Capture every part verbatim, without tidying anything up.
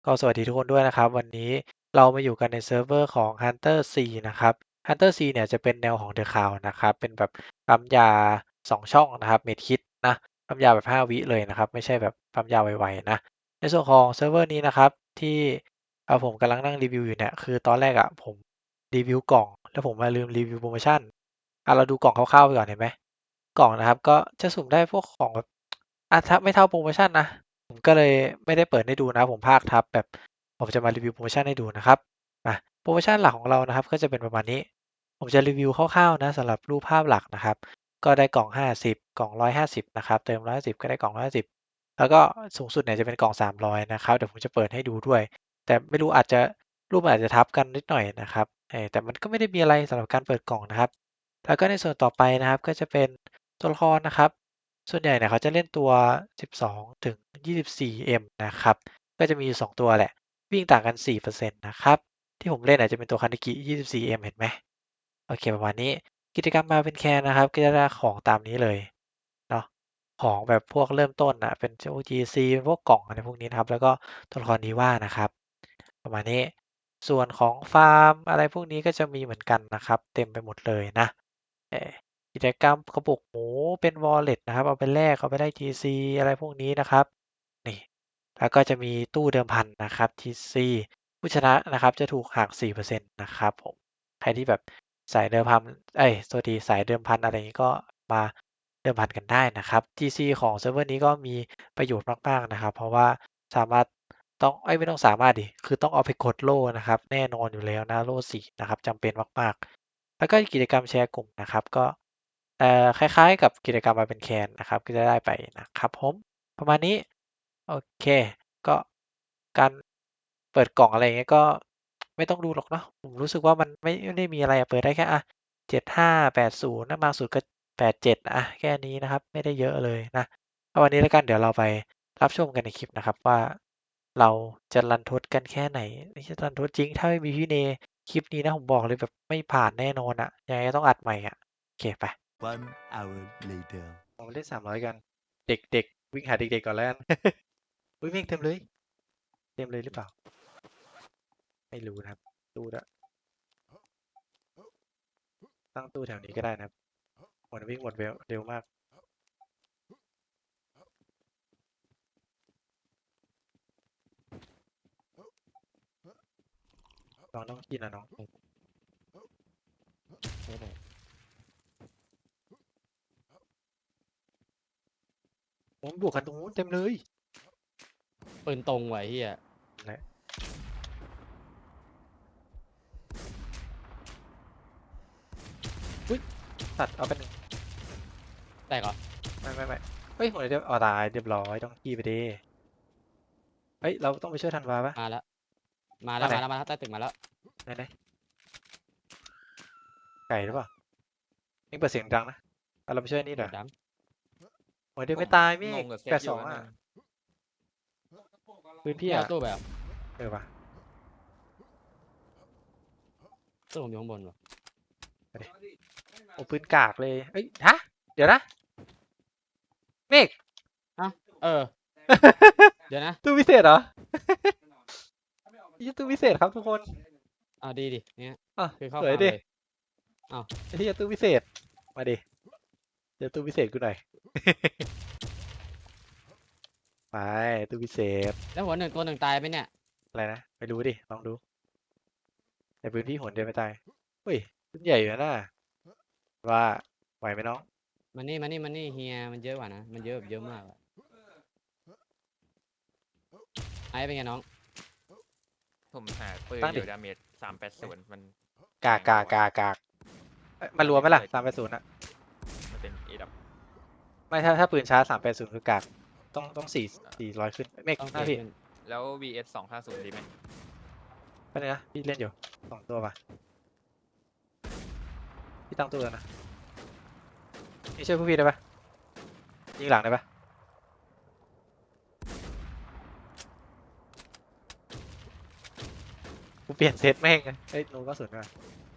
ก็สวัสดีทุกคนด้วยนะครับวันนี้เรามาอยู่กันในเซิร์ฟเวอร์ของ Hunter C นะครับ Hunter C เนี่ยจะเป็นแนวของ The Cloud นะครับเป็นแบบปั๊มยาสองช่องนะครับเมดคิดนะปั๊มยาแบบห้าวิเลยนะครับไม่ใช่แบบปั๊มยาไวๆนะในส่วนของเซิร์ฟเวอร์นี้นะครับที่เอ่อผมกำลังนั่งรีวิวอยู่เนี่ยคือตอนแรกอะผมรีวิวกล่องแล้วผมมาลืมรีวิวโปรโมชั่นอ่ะเราดูกล่องคร่าวๆไปก่อนเห็นไหมกล่องนะครับก็จะสุ่มได้พวกของแบบอ่ะถ้าไม่เท่าโปรโมชั่นนะ ผมก็เลยไม่ได้เปิดให้ดูนะผมพากทับแบบผมจะมารีวิวโปรโมชั่นให้ดูนะครับมาโปรโมชั่นหลักของเรานะครับก็จะเป็นประมาณนี้ผมจะรีวิวคร่าวๆนะสำหรับรูปภาพหลักนะครับก็ได้กล่องห้าสิบกล่องหนึ่งร้อยห้าสิบนะครับเติมหนึ่งร้อยห้าสิบก็ได้กล่องหนึ่งร้อยห้าสิบแล้วก็สูงสุดเนี่ยจะเป็นกล่องสามร้อยนะครับเดี๋ยวผมจะเปิดให้ดูด้วยแต่ไม่รู้อาจจะรูปมันอาจจะทับกันนิดหน่อยนะครับเออแต่มันก็ไม่ได้มีอะไรสำหรับการเปิดกล่องนะครับแล้วก็ในส่วนต่อไปนะครับก็จะเป็นตัวละครนะครับ ส่วนใหญ่เนี่ยเขาจะเล่นตัว สิบสอง ถึง ยี่สิบสี่ เอ็ม นะครับ ก็จะมีอยู่ สอง ตัวแหละ วิ่งต่างกัน สี่เปอร์เซ็นต์ นะครับ ที่ผมเล่นอาจจะเป็นตัวคานิกิ ยี่สิบสี่ เอ็ม เห็นไหม โอเคประมาณนี้ กิจกรรมมาเป็นแคนนะครับ ก็จะได้ของตามนี้เลยเนาะของแบบพวกเริ่มต้นอ่ะ เป็นพวก จี ซี เป็นพวกกล่องอะไรพวกนี้นะครับ แล้วก็ตัวละครดีว่านะครับ ประมาณนี้ ส่วนของฟาร์มอะไรพวกนี้ก็จะมีเหมือนกันนะครับ เต็มไปหมดเลยนะเออ กิจกรรมกระปุกหมูเป็น Wallet นะครับเอาไปแลกเอาไปได้ ที ซี อะไรพวกนี้นะครับนี่แล้วก็จะมีตู้เดิมพันนะครับ ที ซี ผู้ชนะนะครับจะถูกหัก สี่เปอร์เซ็นต์ นะครับผมใครที่แบบสายเดิมพันเอ้ยโทษทีสายเดิมพันอะไรอย่างนี้ก็มาเดิมพันกันได้นะครับ ที ซี ของเซิร์ฟเวอร์นี้ก็มีประโยชน์มากๆนะครับเพราะว่าสามารถต้องเอ้ยไม่ต้องสามารถดิคือต้องเอาไปกดโล่นะครับแน่นอนอยู่แล้วนะโล่สี่นะครับจำเป็นมากๆแล้วก็กิจกรรมแชร์กลุ่มนะครับก็ เอ่อคล้ายๆกับกิจกรรมมาเป็นแคนนะครับก็จะได้ไปนะครับผมประมาณนี้โอเคก็การเปิดกล่องอะไรอย่างเงี้ยก็ไม่ต้องดูหรอกเนาะผมรู้สึกว่ามันไม่ไม่ได้มีอะไรอะเปิดได้แค่อะเจ็ดห้าแปดศูนย์ถ้ามากสุดก็แปดเจ็ดอะแค่นี้นะครับไม่ได้เยอะเลยนะก็วันนี้แล้วกันเดี๋ยวเราไปรับชมกันในคลิปนะครับว่าเราจะรันทดกันแค่ไหนไม่ใช่รันทดจริงถ้าไม่มีพี่เนคลิปนี้นะผมบอกเลยแบบไม่ผ่านแน่นอนอะยังไงก็ต้องอัดใหม่อะโอเคไป One hour later เรามาเล่นสามร้อยกัน เด็กๆวิ่งหาเด็กๆก่อนแล้วกันอุ้ยเมฆเต็มเลยเต็มเลยหรือเปล่าไม่รู้นะครับตู้ละตั้งตู้แถวนี้ก็ได้นะครับมันวิ่งหมดเร็วเร็วมากน้องต้องกินนะน้องไม่ไหนผมบวกกันตรงนู้นเต็มเลยปืนตรงไว้เฮียและอุ้ยตัดเอาไปหนึ่งแตกเหรอไม่ไม่ไม่เฮ้ยหัวเดียวอ๋อตายเรียบร้อยต้องขี้ไปดิเฮ้ยเราต้องไปช่วยทันวาปะมาแล้วมาอันไหนแล้วมาแล้วมาแล้วใต้ตึกมาแล้วไหนไหนไก่หรือเปล่าเอ็งเปิดเสียงดังนะเอาเราไปช่วยนี่เหรอเดี๋ยวดหัวเดียวผมไม่ตายเมฆงงกับเซแปตอยู่ดสองอ่ะนะนึงปืนำพี่พี่เอาอ่ะตู้ไปเหรอเออปะตู้ผมอยู่ข้างบนวะโอ้ปืนกากเลยเอ้ยฮะเดี๋ยวนะเมฆอ้าวเออเดี๋ยวนะตู้พิเศษเหรอยี่ตู้พิเศษครับทุกคนอ้าวดีดิเนี้ยอ่ะคือเข้าสวยดิฟาร์มเลยอ้าวไอ้ที่ตู้พิเศษมาดิเจอตู้พิเศษกูหน่อย ไปตู้พิเศษแล้วหัวหนึ่งตัวหนึ่งตายไหมเนี่ยอะไรนะไม่รู้ดิลองดูในพื้นที่หนเดียวไม่ตายเฮ้ยขึ้นใหญ่อยู่นะว่าไหวไหมน้องมันนี่มันนี่มันนี่เฮียมันเยอะกว่านะมันเยอะแบบเยอะมากอะไอ้เป็นไงน้องผมหาปืนตั้งดิอยู่ดาเมจสามแปดศูนย์มันกากกากกากกากเอ้ยมารวมไหมล่ะสามแปดศูนย์อะมันเป็นเอดับไม่ถ้าถ้าปืนช้าสามแปดศูนย์คือกากต้องต้องสี่สี่ร้อยขึ้นเมฆต้องหน้าพี่เทขึ้นแล้ว วี เอส สองห้าศูนย์ดีไหมไปเลยนะพี่เล่นอยู่สองตัวป่ะพี่ตั้งตัวแล้วนะนี่ช่วยพวกพี่ได้ปะยิงหลังได้ปะ กูเปลี่ยนเซตแม่งเลยเอ้ยโนก็สวยด้วย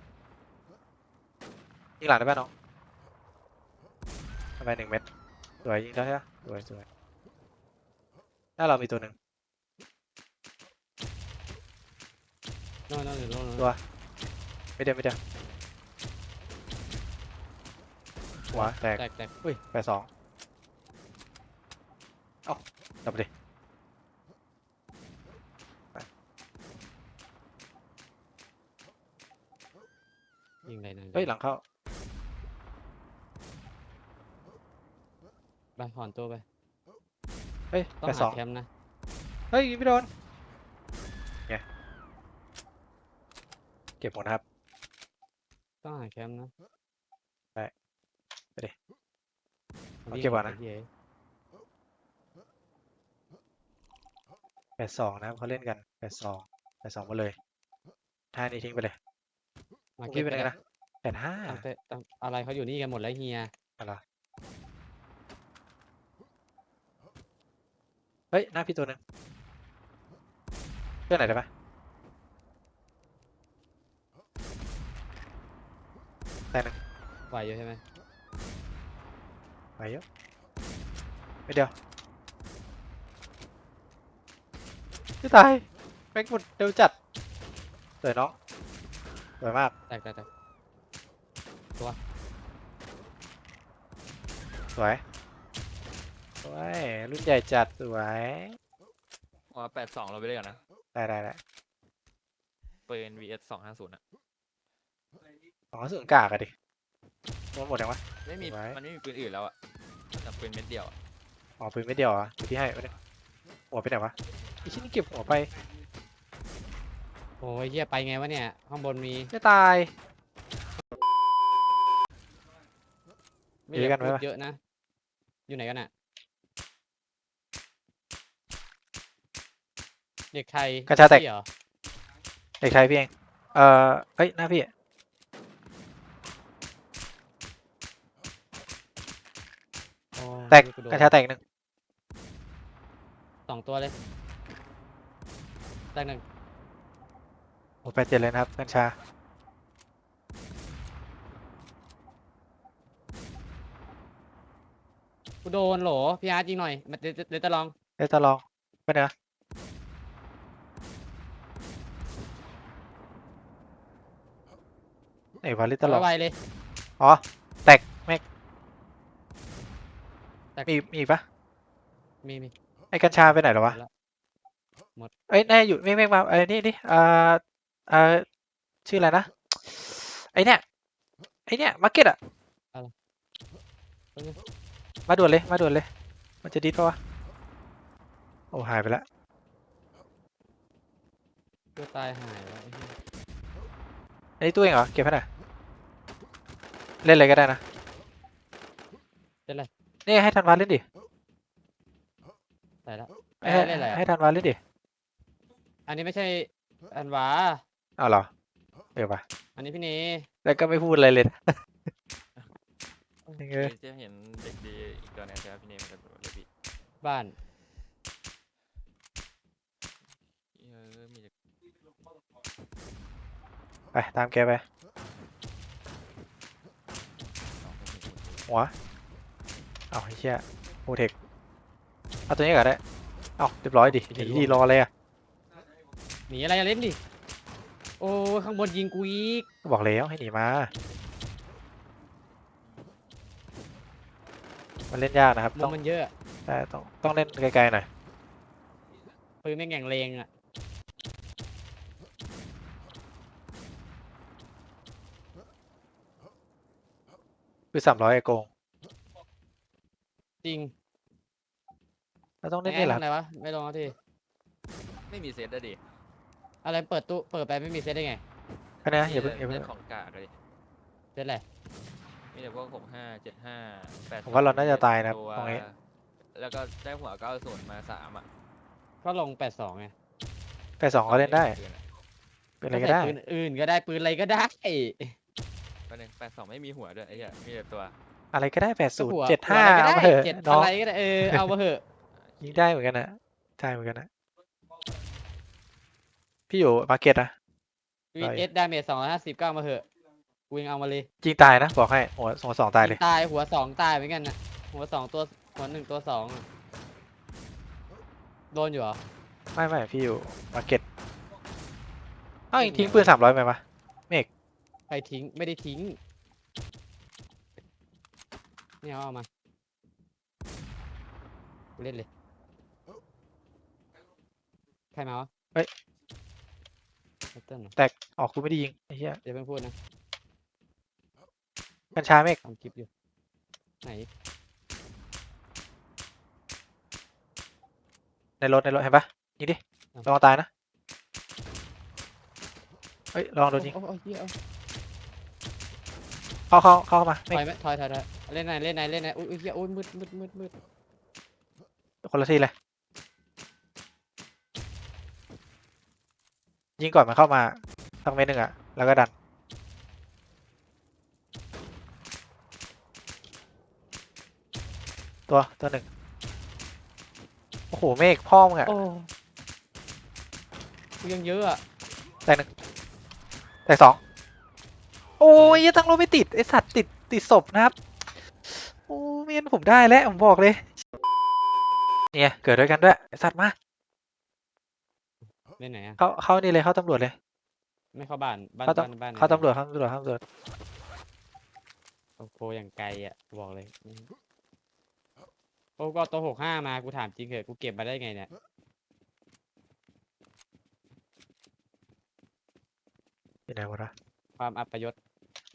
ยิงหลังได้ป่ะน้องทำไมหนึ่งเม็ดสวยยิงได้ใช่ปะสวยสวยหน้าเรามีตัวหนึ่งโน่นโน่นอยู่โน่นโน่นตัวไม่เดียวไม่เดียวหัวแตกแตกแตกอุ้ยแปดสองเอ้าดับไปดิยิงอะไรนะเฮ้ยหลังเข้าไปถอนตัวไปเฮ้ยต้องแปดสหาองแคมป์นะเฮ้ยยิงไม่โดนไงเก็บหมดนะครับต้องหาแคมป์นะไปไปดิ เอาวิ่งเก็บก่อนนะไหี้ยแปดสองนะครับเขาเล่นกันแปดสองแปดสองมาเลยท่านี้ทิ้งไปเลยมาพี่เก็บเป็นไปไงเลยนะแปดห้าตั้งแต่ตั้งอะไรเขาอยู่นี่กันหมดแล้วเฮียอะไรเฮ้ยหน้าพี่ตัวหนึ่งเพื่อนไหนได้ปะแต่หนึ่งไหวอยู่ใช่ไหมไปเยอะไม่เดียวพี่ตายแม็กหมดเร็วจัดสวยน้องสวยมากแตกแตกแตกสวยสวยรุ่นใหญ่จัดสวยอ๋อแปดสองเราไปเลยกันนะได้ได้ได้ปืน วี เอส สองห้าศูนย์อะของเขาสึงกากอะดิโดนหมดยังวะไม่มีไว้มันไม่มีปืนอื่นแล้วอะแต่ปืนเม็ดเดียวอะอ๋อปืนไม่เดียวเหรอ่ะพี่ให้ไว้เนี่ยหัวไปไหนวะไอชิ้นนี้เก็บหัวไปโอ้ยเฮียไปไงวะเนี่ยข้างบนมีจะตายไม่อยู่ด้วยกันพูดไหมวะเยอะนะ อยู่ไหนกันอ่ะเด็กไทยกระชาแตกพี่เหรอเด็กชายพี่เองเอ่อเฮ้ยหน้าพี่โอ้ยแตกกูโดนกระชาแตกหนึ่งสองตัวเลยแตกหนึ่งโอ้แปดเจ็ดเลยนะครับกัญชากูโดนโหลพี่อาร์ตยิงหน่อยมาเดี๋ยวเดี๋ยวจะลองเอ้ยตะลองไปไหนวะไหนวะลิตตะลองไวๆเลยอ๋อแตกแม็กแตกมีมีอีกปะมีมีไอ้กัญชาไปไหนแล้ววะหมดละหมดเอ้ยแน่อยู่ไม่ไม่มาไอ้นี่นี่อ่าอ่าชื่ออะไรนะไอ้เนี่ยไอ้เนี่ยมาร์เก็ตอะมาด่วนเลยมาด่วนเลยมันจะดิสปะวะโอ้หายไปละตัวตายหายแล้วไอ้เหี้ยไอ้ตัวเองเหรอเก็บให้หน่อยเล่นอะไรก็ได้นะเล่นอะไรนี่ให้ธันวาเล่นดิตายแล้วให้เอ้ยเล่นอะไรให้อ่ะธันวาเล่นดิอันนี้ไม่ใช่อันหวาอ้าวเหรอเออปะอันนี้พี่เนแล้วก็ไม่พูดอะไรเลยนะ เออเดี๋ยวจะเห็นเด็กดีอีกตัวหนึงใช่ไหมพี่เนมกับเลบี้บ้านเออมีแต่ไปตามแกไปสองคนถึงหัวเอาไอ้เชี่ยโปรเทคเอาตัวนี้ก่อนได้เอาเรียบร้อยดิหนีดีรออะไรอ่ะหนีอะไรอะเล่นดิโอ้ยข้างบนยิงกูอีกบอกแล้วให้หนีมามันเล่นยากนะครับมุต้อมงมันเยอะอะแต่ต้องต้องเล่นไกลๆหน่อยปืนแม่งแง่งเลงอ่ะคือสามร้อยไอโกงจริงเราต้องเล่นไอ้นี่แหละทำอะไรวะไม่ลองเอาทีไม่มีเซตอะดิอะไรเปิดตู้เปิดไปไม่มีเซตได้ไงแค่นี้นะอย่าเพิ่งอย่าเซเพิ่งตของกากเลยเซตอะไรมีแต่พวกหกห้าเจ็ดห้าแปดผมว่าเราน่าจะตายนะครับตัวตรงนี้แล้วก็ได้หัวเก้าศูนย์มาสามอะก็ลงแปดสองไงแปดสองก็เล่นได้ เป็นอะไรก็ได้ใส่ปืนอื่นก็ได้ปืนอะไรก็ได้ก็หนึ่งแปดสองไม่มีหัวด้วยไอ้เหี้ยมีแต่ตัวอะไรก็ได้แปดก็ศูนย์หัวเจ็ดห้าหัวอะไรก็เอาได้มาเถอะเจ็ดน้องอะไรก็ได้เออเอามาเถอะยิงได้เหมือนกันนะใช่เหมือนกันนะพี่อยู่มาร์เก็ตนะวีเอสดาเมจสองร้อยห้าสิบเก้ามาเถอะกูยังเอามาเลยยิงตายนะบอกให้หัวสองสองตายเลยตายหัวสองตายเหมือนกันนะหัวสองตัวหัวหนึ่งตัวสองอะโดนอยู่เหรอไม่ไม่พี่อยู่มาร์เก็ตอ้าวเองทิ้งปืนสามร้อยไปปะใครทิ้งไม่ได้ทิ้งนี่เอาเอามากูเล่นเลยใครมาวะเฮ้ยแพทเทิร์นเหรอแตกออกกูไม่ได้ยิงไอ้เหี้ยเดี๋ยวเพิ่งพูดนะกัญชาเมฆทำคลิปอยู่ไหนในรถในรถเห็นปะยิงดิระวังตายนะเฮ้ยระวังโดนยิงโอ้โอ้เหี้ยเอาเข้าเข้าเข้ามาถเมฆอยไหมถอยถอยถอยเล่นไหนเล่นไหนเล่นไหนอุ้ยอุ้ยเหี้ยโอ้ยมืดมืดมืดมืดคนละทีเลยยิงก่อนมันเข้ามาสักเม็ดหนึ่งอะแล้วก็ดันตัวตัวหนึ่งโอ้โหเมฆพ่อมึงอะโอ้กูยังเยอะอ่ะแตกหนึ่งแตกสองโอ้ยยังตั้งรถไม่ติดไอสัตว์ติดติดศพนะครับโอ้เมียนผมได้แล้วผมบอกเลยเนี่ยเกิดด้วยกันด้วยไอสัตว์มาเล่นไหนอ่ะเข้าเข้านี่เลยเข้าตำรวจเลยไม่เข้าบ้านบ้านเข้าตบ้านบ้านำเข้าตำรวจเข้าตำรวจเข้าตำรวจโอ้โหอย่างไกลอ่ะบอกเลยโอ้ก็เอาตัวหกห้ามากูถามจริงเหอะกูเก็บมาได้ไงเนี่ยอยู่ไหนหมดวะความอัปยศ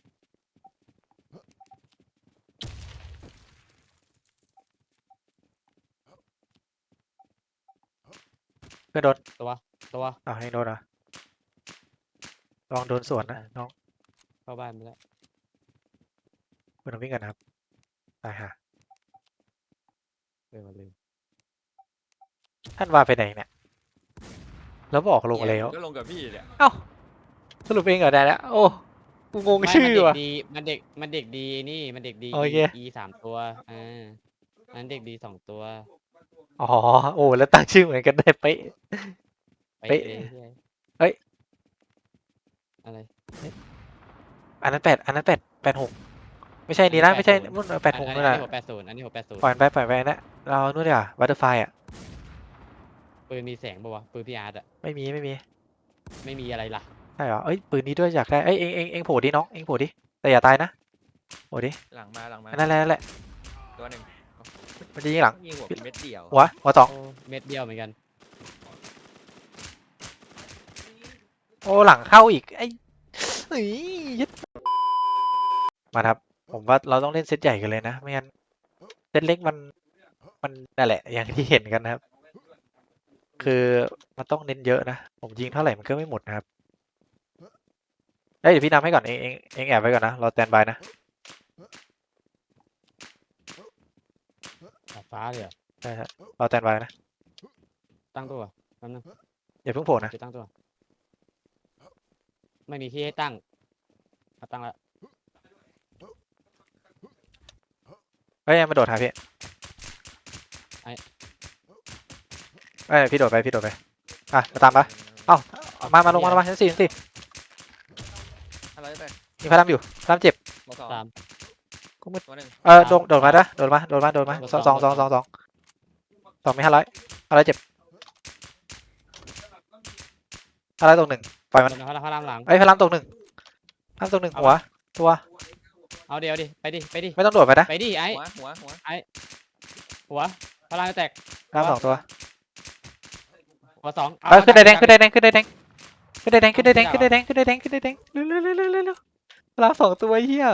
เพื่อนโดนตัวตัวอ้าวให้โดนเหรอ่ะลองโดนสวนนะน้องเข้าบ้านไปแล้วเพื่อนวิ่งกันนะครับตายฮะเร็วลืมท่านว่าไปไหนเนี่ยแล้วบอกลงแล้วก็ลงกับพี่เนี่ยเอ้าสรุปเองเหรอได้แล้วโอ้กูงงไม่ชื่อมันเด็กว่ะดีมันเด็กมันเด็กดีนี่มันเด็กดีโอเคอีสามตัวอ่าอันนั้นเด็กดีสองตัวอ๋อโอ้แล้วตั้งชื่อเหมือนกันได้เป๊ะไปเป๊ะเลยเหี้ยเฮ้ยอะไรอันนั้นแปดอันนั้นแปดแปดหกไม่ใช่นี่นะไม่ใช่แปดศูนย์นู่นแปดหกอันนู่นี้นอันน่ะนี้หกแปดศูนย์อันนี้หกแปดศูนย์ปล่อยมันไปปล่อยไปนะเรานู่นดีกว่าวัตเตอร์ไฟอ่ะปืนมีแสงป่าวะปืนพี่อาร์ตอะไม่มีไม่มีไม่มีอะไรล่ะใช่เหรอเอ้ยปืนนี้ด้วยอยากได้เอ้ยเองเองเองโผล่ดิน้องเองโผล่ดิแต่อย่าตายนะโผล่ดิหลังมาหลังมาอันนั่นแหละนั่นแหละตัวหนึ่งมันจะยิงหลังยิงหัวเม็ดเดียวหัวหัวสองโอ้เม็ดเดียวเหมือนกันโอ้หลังเข้าอีกไอ้เฮ้ยยึดมาครับ ผมว่าเราต้องเล่นเซตใหญ่กันเลยนะไม่งั้นเซตเล็กมันมันนั่นแหละ อย่างที่เห็นกันนะครับ คือมันต้องเน้นเยอะนะผมยิงเท่าไหร่มันก็ไม่หมดนะครับเอ้ยเดี๋ยวพี่นำให้ก่อนเองเองเองแอบไว้ก่อนนะรอสแตนบายนะดาดฟ้าเลยเหรอใช่ฮะรอสแตนบายนะตั้งตัวแป๊บนึงอย่าเพิ่งโผล่นะจะตั้งตัว ไม่มีที่ให้ตั้งเอาตั้งแล้วเฮ้ยมาโดดหาพี่เอ้ยพี่โดดไปพี่โดดไปอ่ะมาตามปะเอ้ามามาลงมาลงมาชั้นสี่ชั้นสี่อะไรไปมีพลังอยู่พลังเจ็บมาสองสามตัวหนึ่งเออโดดโดดมาด้วยโดดมาโดดมาโดดมาสองสองสองสองสองสองมีห้าร้อยห้าร้อยเจ็บห้าร้อยตกหนึ่งปล่อยมันโดนเขาพระรามหลังเอ้ยพลังตกหนึ่งพลังตกหนึ่งหัวตัวเอาเดี๋ยวดิไปดิไปดิไม่ต้องโดดไปนะไปดิไอ้หัวหัวหัวหัวพระรามจะแตกพลังสองตัวหัวสองเออขึ้นได้แดงขึ้นได้แดงขึ้นได้แดงขึ้นได้แดงขึ้นได้แดงขึ้นได้แดงขึ้นได้แดงขึ้นได้แดงเร็วเร็วเร็วเร็วเร็วเร็วพลังสองตัวเฮีย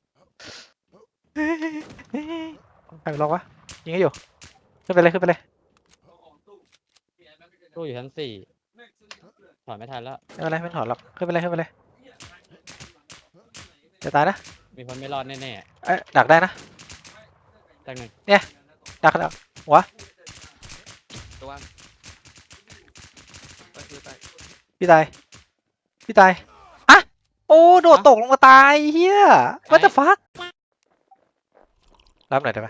ใครลองวะยิงให้อยู่ขึ้นไปเลยขึ้นไปเลยตู้อยู่ชั้นสี่ถอนไม่ทันแล้วไม่เป็นไรไม่ถอนหรอกขึ้นไปเลยขึ้นไปเลยจะตายนะมีคนไม่รอดแน่เอ้ยดักได้นะๆตั้งหนึ่งดักดักหัวตัวไปคือไปพี่ตายพี่ตายอะโอ้โดดตกลงมาตายเฮีย what the fuck รับหน่อยได้ไหม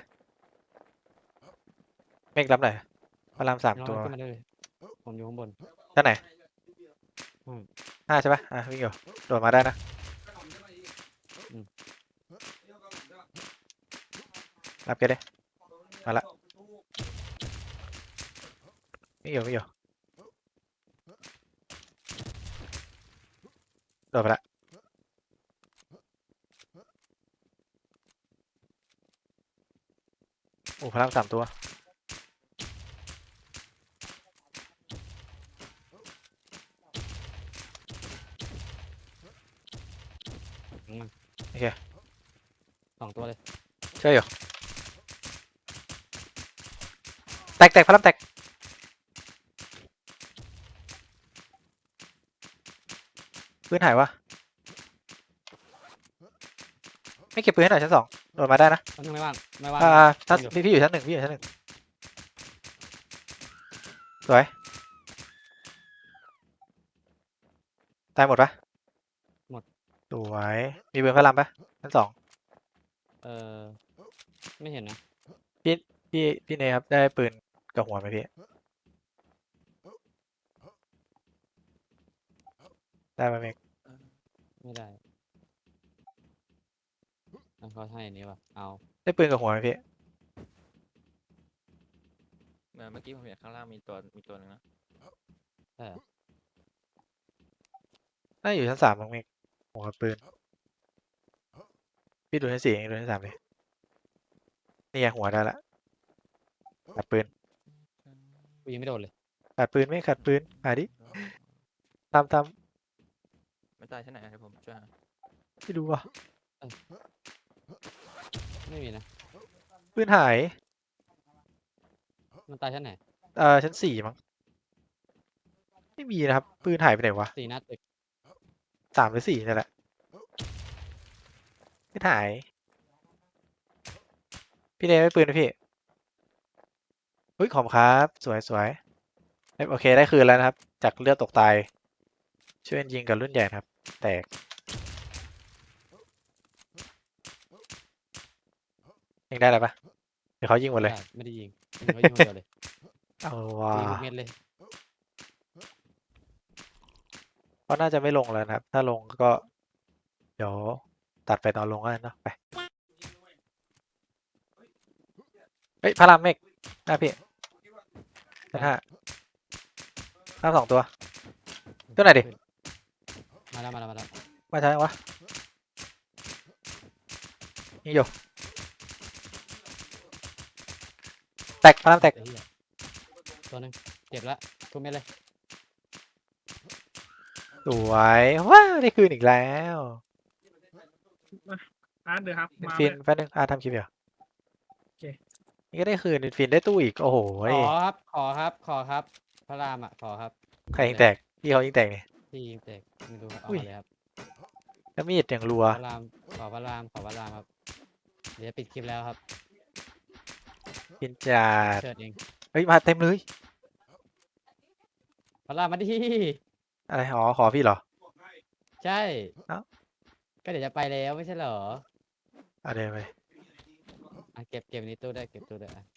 เมฆรับหน่อยพลังสามน้องตัวขึ้นมาเลยผมอยู่ข้างบนด้านไหนอืมห้าใช่ปะอ่ะวิ่งอยู่โดดมาได้นะอืมรับแกเลยมาละวิ่งอยู่วิ่งอยู่โดดไปละโอ้พลังสามตัวอืมโอเคสองตัวเลยช่วยอยู่แตกแตกพลังแตกปืนหายวะไม่เก็บปืนให้หน่อยชั้นสองโดดมาได้นะมันยังไม่ว่างไม่ว่างอ่าไม่ถ้าว่างพี่พี่อยู่ชั้นหนึ่งพี่อยู่ชั้นหนึ่งสวยตายหมดปะหมดสวยมีปืนพลังปะชั้นสองเออไม่เห็นนะพี่พี่เนยครับได้ปืนกับหัวไหมพี่ได้ไหมเมกไม่ได้เอาเขาให้อันนี้ว่ะเอาได้ปืนกับหัวไหมพี่เมื่อเมื่อกี้ผมเห็นข้างล่างมีตัวมีตัวหนึงนะใช่เหรอน่าอยู่ชั้นสามมั้งเมกหัวกับปืนพี่ดูชั้นสี่เองดูชั้นสามเลยนี่ไงหัวได้ละขัดปืนกูยังไม่โดนเลยขัดปืนไม่ขัดปืนหาดิตามตามไม่ตายชั้นไหนอะเดี๋ยวผมช่วยหาพี่ดูว่ะไม่มีนะปืนหายมันตายชั้นไหนเอ่อชั้นสี่มั้งไม่มีนะครับปืนหายไปไหนวะสี่นัดตึกสามหรือสี่นี่แหละไม่หายพี่เนยไม่ปืนนะพี่อุ้ยขอบคุณครับสวยสวยเอ้ยโอเคได้คืนแล้วนะครับ จากเลือดตกตายช่วยยิงกับรุ่นใหญ่นะครับ แตกยิงได้แล้วปะเดี๋ยวเขายิงหมดเลยไม่ได้ไม่ได้ยิงยิงเขายิงคนเดียวเลยเอาว่ะยิงทุกเม็ดเลยเขาน่าจะไม่ลงแล้วนะครับ ถ้าลงก็ เดี๋ยวตัดไปตอนลงก็ได้เนอะไปเฮ้ยพารามเมกหน้าพี่ชั้นห้าหน้าสองตัวตัวไหนดิมาแล้วมาแล้วมาแล้วมาใช่วะนี่อยู่แตกพารามแตกไอ้เหี้ยตัวหนึงเจ็บละทุกเม็ดเลยสวยว้าวได้คืนอีกแล้วอาร์ตเดี๋ยวครับ มาฟินเลยแป๊บนึงอาทำคลิปเดี๋ยวโอเคนี่ก็ได้คืนฟินได้ตู้อีกโอ้โหขอครับขอครับขอครับพระรามอ่ะขอครับใครยิงแตกพี่เขายิงแตกเนี่ยที่ยิงแตกไม่รู้ครับเอาอุ้ยมาเลยครับแล้วมีดอย่างรัวพระรามขอพระรามขอพระรามครับเดี๋ยวจะปิดคลิปแล้วครับฟินจัดเชิดเองเฮ้ยมาเต็มเลยพระรามมาดิอะไรอ๋อขอพี่เหรอใช่เอ้าก็เดี๋ยวจะไปแล้วไม่ใช่เหรออ่ะเดินไปอ่ะเก็บเก็บในตู้ได้วยเก็บตู้ได้วยอ่ะ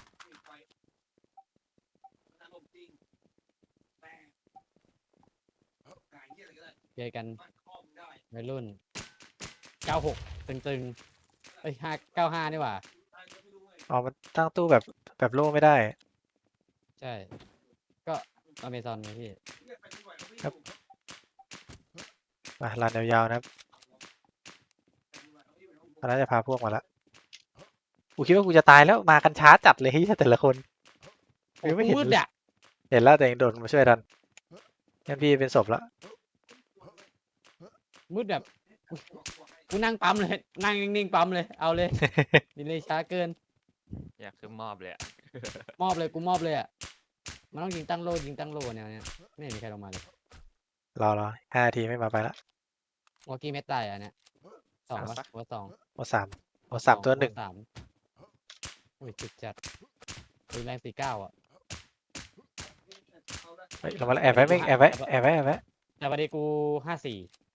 เจอกันวัยรุ่นเก้าหกตึงๆเอ้ยห้าเก้าห้านี่หว่าอ๋อมันตั้งตู้แบบแบบโล่ไม่ได้ใช่ ก็อเมซอนไงพี่มาลานยาวๆนะครับตอนนั้นจะพาพวกมาละกูคิดว่ากูจะตายแล้วมากันช้าจัดเลยเฮ้ยแต่ละคนโอ้ยังไม่โหเห็นมืดเลยอ่ะเห็นแล้วแต่ยังโดดมาช่วยทันงั้นพี่เป็นศพละมืดแบบกูกูนั่งปั๊มเลย นั่งนิ่งๆปั๊มเลย เอาเลย ดีเลยช้าเกินอยากขึ้นมอบเลยอะมอบเลยกูมอบเลยอ่ะ มันต้องยิงตั้งโลยิงตั้งโลเนี่ยเนี่ยไม่เห็นมีใครลงมาเลยรอรอห้านาทีไม่มาไปละวอกี้เม็ดตายอ่ะเนี่ยสองวะว่าสองโอสามโอสามตัวหนึ่งสามอุ้ยจุดจัดปืนแรงสี่เก้าอ่ะเฮ้ยลงมาแล้วแอบไว้ไม่แอบไว้แอบไว้แอบไว้แต่วันนี้กูห้าสี่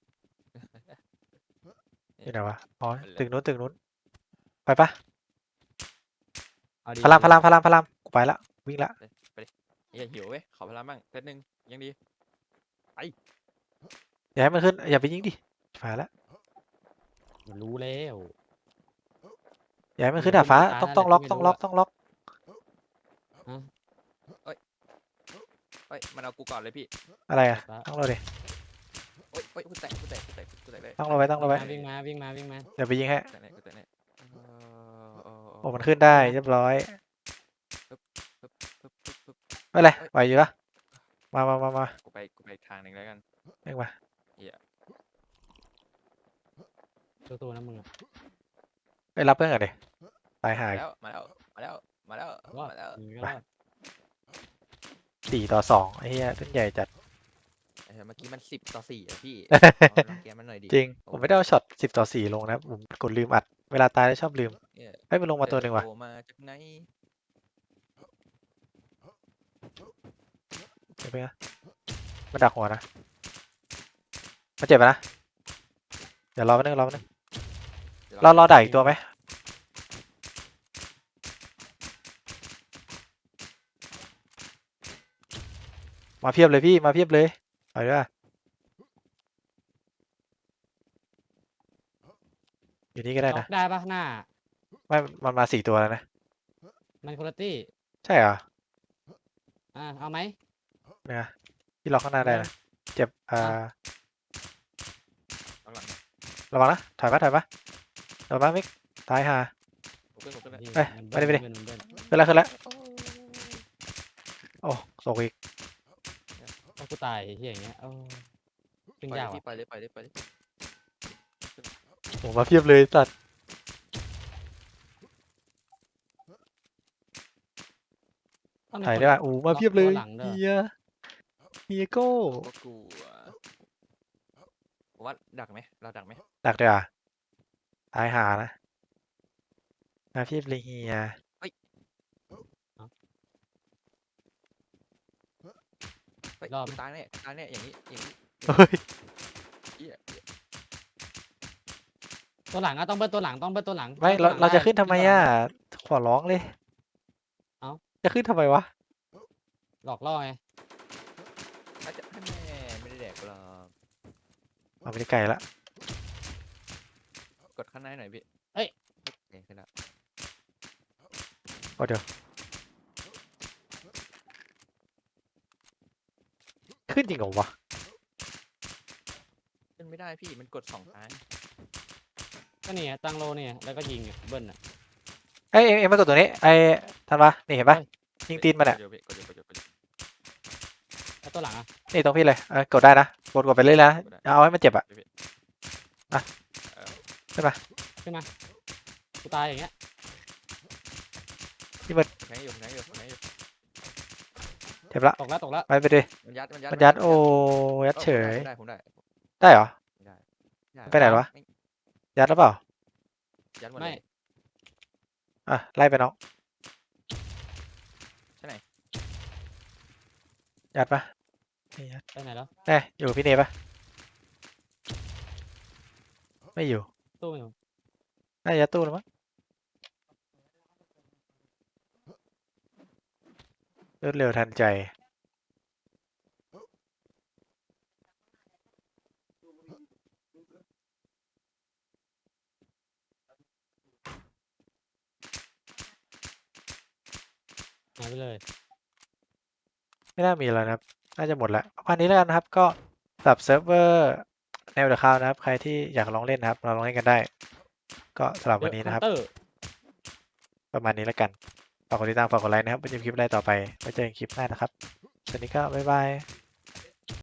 อยู่ไหนวะอ๋อตึกนู้นตึกนู้นไปปะเอาดีพลังพลังพลังพลังกูไปละวิ่งละอย่าหิวเว้ยขอพลังบ้างเซตหนึ่งยังดีอย่าให้มันขึ้นอย่าไปยิงดิฝ่าละมันรู้แล้วอย่าให้มันขึ้นดาดฟ้าต้องต้องล็อกต้องล็อกต้องล็อกเฮ้ยมันเอากูก่อนเลยพี่อะไรอ่ะต้องรอดิโอ๊ยโอ๊ยกูแตกกูแตกเลยตั้งเราไว้ตั้งเราไว้วิ่งมาวิ่งมาวิ่งมาเดี๋ยวไปยิงให้แต่ไหนแต่ไหนเออเออโอ้มันขึ้นได้เรียบร้อยปึ๊บปึ๊บปึ๊บปึ๊บไม่เป็นไรไหวอยู่ปะมามามามากูไปกูไปอีกทางหนึ่งแล้วกันเอ็งมาตัวๆนะมึงอะไปรับเพื่อนก่อนดิตายหายแล้วมาแล้วมาแล้วมาแล้วรอดมาแล้วมึงก็รอดสี่ต่อสองไอ้เหี้ยเล่นใหญ่จัดเออเมื่อกี้มันสิบต่อสี่อะพี่ ลองแกมันหน่อยดิจริง ผมไม่ได้เอาช็อตสิบต่อสี่ลงนะผมกดลืมอัด เวลาตายแล้วชอบลืมเนี่ยให้ยมันลงมาตัวหนึ่งว่ะโผล่มาจากไหนเดี๋ยวไปนะมันดักหัวนะมันเจ็บปะนะ เดี๋ยวรอแป๊บนึงรอแป๊บนึงดี๋ยวเรารอดักอีกตัวไหมมาเพียบเลยพี่มาเพียบเลยไปด้วยอยู่นี่ก็ได้ล็อนะกได้ปะหน้าไม่มันมาสี่ตัวแล้วนะมันคุณตี้ใช่เหรออ่าเอาไหมเนี่ยพี่ล็อกข้างหน้าได้นะเจ็บอ่าข้างหลังระวังนะถอยมาถอยมาถอยมามิกตายห่าผมขึ้นผมขึ้นเลยนี่เอ้ยมันไปดิไปดิเบิ้ลมันเบิ้ลขึ้นแล้วขึ้นแล้วโอ้ตกอีกเอากูตายไอ้เหี้ยอย่างเงี้ยเออขึ้นปล่อยยากเลยพี่ว่ะปล่อยเลยปล่อยเลยปล่อยเลยผมมาเพียบเลยสัตว์ต้องมีถ่ายคนได้ป่ะอู้มาเพียบเลยล็อกตัวหลังด้วยเฮียเฮียโก้ก็กลัวผมว่าดักไหมเราดักไหมดักด้วยอ่ะตายห่านะมาเพียบเลยเฮียเฮ้ยรอบกูตายแน่กูตายแน่อย่างนี้อย่างนี้เฮ้ยเหี้ยเหี้ยตัวหลังอะต้องเบิ้ลตัวหลังต้องเบิ้ลตัวหลังไม่บิ้ลเราตัวหลังเราจะด้ขึ้นทำไมบิ้ลตัวหอ่ะลังขอร้องเลยเอ้าจะขึ้นทำไมวะหลอกล่อไงอาจจะให้แม่ไม่ได้แดกหรอกเอาไปได้ไกลละกดข้างในหน่อยพี่เอ้ยโอเคขึ้นแล้วโอ้เดี๋ยวขึ้นจริงเหรอวะขึ้นไม่ได้พี่มันกดสองครั้งก็นี่ไงตั้งโลเนี่ยแล้วก็ยิงอะเบิ้ลอะเอ้ยเอ็งเอ็งมากดตัวนี้ไอ้ทันปะนี่เห็นปะเฮ้ยยิงตีนมันอ่ะกดเดียวพี่กดเดียวกดเดียวกดเดียวแล้วตัวหลังอะนี่ตรงพี่เลยเออกดได้นะกดกดไปเรื่อยๆนะกดได้เอาให้มันเจ็บอ่ะเดี๋ยวพี่อ่ะเออขึ้นมากูตายอย่างเงี้ยแทงอยู่แทงอยู่แทงอยู่เจ็บละตกแล้วตกแล้วไปไปดิมันยัดมันยัดมันยัดโอ้ยัดออเฉยผมได้ผมได้ได้เหรอผมได้ด้ไปไหนวะ ยัดหรือเปล่ายัดหมดไม่เลยอ่ะไล่ไปน้องใช่ไหนยัดปะไม่ยัดไปไหนแล้วแน่อยู่พี่เนปะไม่อยู่ตู้ไม่อยู่น่าจะยัดตู้แล้วมั้งรวดเร็วทันใจหายไปเลยไม่น่ามีแล้วนะครับ น่าจะหมดแล้วประมาณนี้แล้วกันนะครับ ก็สำหรับเซิร์ฟเวอร์แนวเดอะคาวนะครับ ใครที่อยากลองเล่นนะครับ เราลองเล่นกันได้ ก็สำหรับวันนี้นะครับเตอร์ประมาณนี้แล้วกัน ฝากกดติดตามฝากกดไลค์นะครับไว้เจอกันคลิปได้ต่อไปไว้เจอกันคลิปหน้านะครับ สวัสดีครับบ๊ายบาย